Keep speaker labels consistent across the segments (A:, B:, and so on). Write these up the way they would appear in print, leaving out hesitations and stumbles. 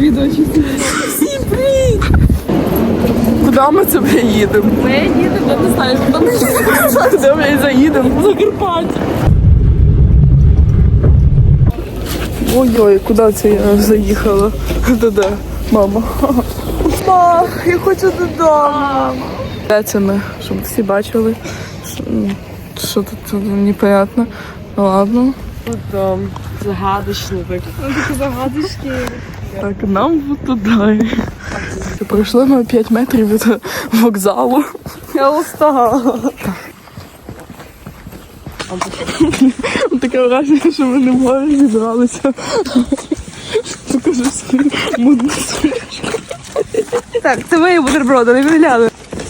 A: відео чисто. Всім привіт! Куди ми це їдемо?
B: Ми їдемо, я не знаю, куди ми їдемо.
A: Куди ми заїдемо? В Закарпаття. Ой-ой, куди це я заїхала? Де? Мама. Мама, я хочу додому. Де це ми? Щоб всі бачили. Що тут непонятно. Ну ладно.
B: Потім загадочний вигляд. Такі загадочні.
A: Так, нам вот туди. Пройшли ми 5 метрів від вокзалу.
B: Я устала.
A: Таке враження, що ми не можемо зібралися. Покажи свою модну сумочку.
B: Так, це мої бутерброди, не вигляли.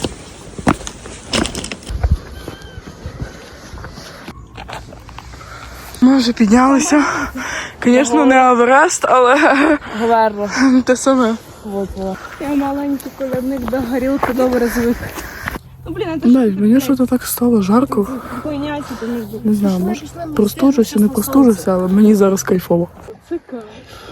A: Ми вже піднялися. Звісно, не Еверест, але
B: Говерла.
A: те саме.
B: Я маленький колядник до горілки добре звик. Ну, блін, це
A: Навіть мені щось так стало жарко.
B: хуйня, це не знаю.
A: Не знаю, може простужуся, не простужуся, але мені зараз кайфово.
B: Це кайф.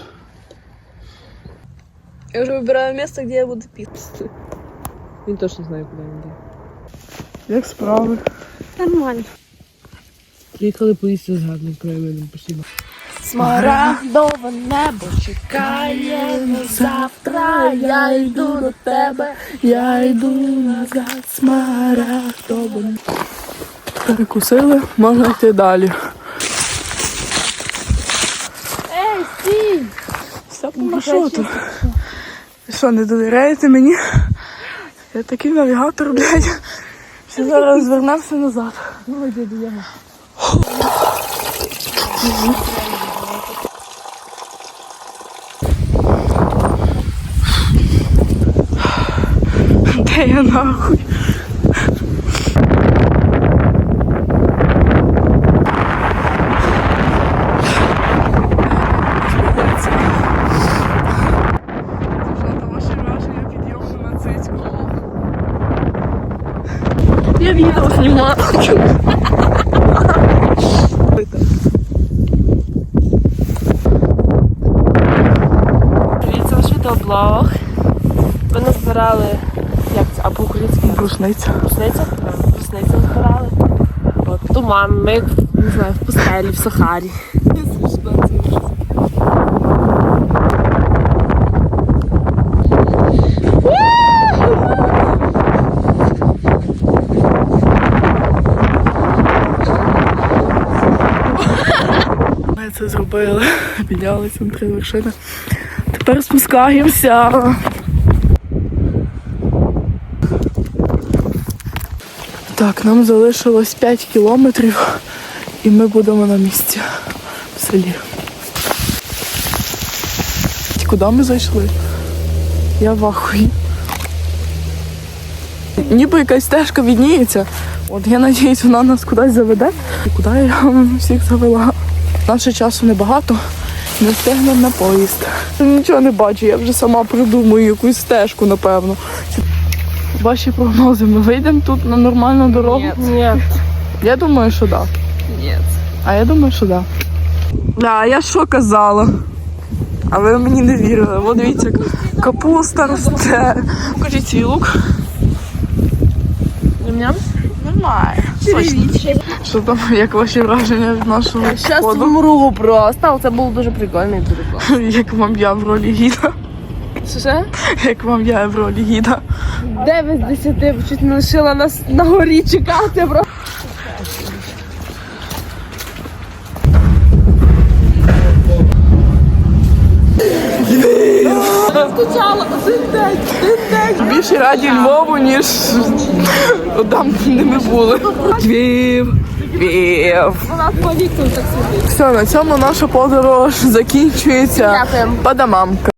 B: Я вже вибираю місце, де я буду пісти. Він точно знає, куди він йде.
A: Як справи?
B: Нормально.
C: Приїхали поїсти з гарним краєвидом, спасибо.
B: Смарагдове небо чекає на завтра. Я йду до тебе,
A: Я йду назад, смарагдове. Перекусили, можна йти далі.
B: Ей, стій!
A: Ну що тут? Ви що, не довіряєте мені? Я такий навігатор, блядь. Що зараз звернемося назад.
B: Ой, дядя, я.
A: Де я нахуй?
B: Я відео знімаю. Привіт, це наш відеоблог. Ми назбирали, як це, а по-українськи?
A: Брусниця.
B: Брусниця? Брусницю назбирали. От, туман, ми, не знаю, в пустелі, в Сахарі.
A: Ми це зробили. Піднялися на 3 вершини. Тепер спускаємося. Так, нам залишилось 5 кілометрів і ми будемо на місці в селі. Куди ми зайшли? Я в ахуї. Ніби якась стежка відніється. От я надіюсь, вона нас кудись заведе. І куди я всіх завела? Наше часу небагато, не встигнемо на поїзд. Нічого не бачу, я вже сама придумаю якусь стежку, напевно. Ваші прогнози, ми вийдемо тут на нормальну дорогу?
B: Ні.
A: Я думаю, що так.
B: Ні.
A: А я думаю, що так. Да, я що казала? А ви мені не вірили. От дивіться, як капуста росте. Покажіть свій лук.
B: Ням-ням?
A: Нормально. Що там, як ваші враження від нашого
B: Щас
A: ходу?
B: вмру просто, але це було дуже прикольно і дуже класно.
A: Як вам я в ролі гіда?
B: Що?
A: Як вам я в ролі гіда?
B: 9 з 10, чуть не лишила нас на горі чекати, бро. Скучала один день.
A: Більше раді Львову, ніж там, де ми були. Львів.
B: Вона по віку так сидить.
A: Все, на цьому наша подорож закінчується.
B: Дякуємо.
A: Падамамка.